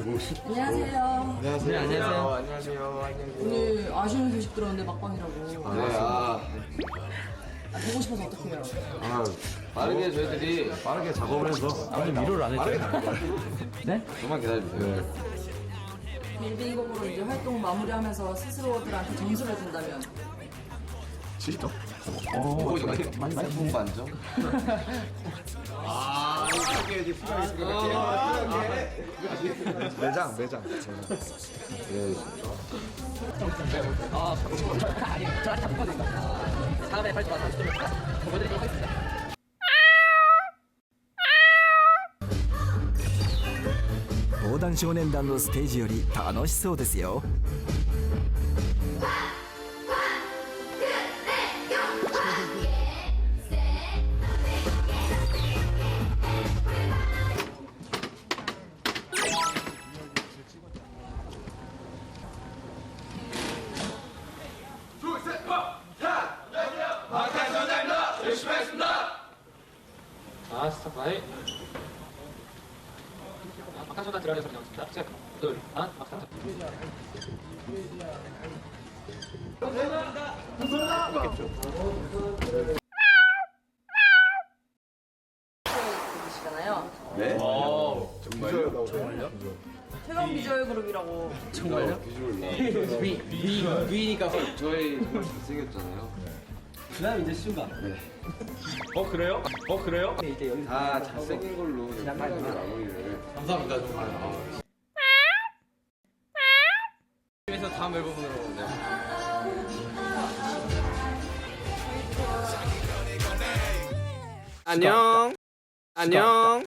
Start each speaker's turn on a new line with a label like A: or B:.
A: 안녕하세요.
B: 안녕하세요.
C: 안녕하세요.
B: 안녕하세요.
A: 오늘 아쉬운 소식 들었는데 막방이라고.
B: 네,
A: 보고 싶어서 어떡해요?
B: 빠르게 저희들이 빠르게 작업을 해서
C: 아니 위로를 안 했죠? 네?
B: 좀만 기다려주세요.
A: 빌딩곡으로 이제 활동 마무리하면서 스스로들한테 점수를 준다면
B: 70점? 오, 이거 많이 상품 반점?
D: 매장.
B: 네.
C: 다음에 발표 와서 보여드리도록 하겠습니다.
E: 防弾少年団のステージより楽しそうですよ。
C: 스탑 막탄소단 들어가는 소리 나왔습니다. 셋, 둘, 하나, 막탄소.
A: 계시잖아요.
B: 네?
D: 정말요?
A: 최강 비주얼 그룹이라고.
C: 정말요?
B: 비주얼
C: 위니까
B: 저희 정말 잘생겼잖아요.
C: 그다음 이제 슈가.
B: 네.
C: 그래요? 그래요?
B: 다 잘생긴 걸로 편하게 마무리를.
C: 감사합니다 정말. 그래서 다음 앨범으로. 네.
F: 안녕.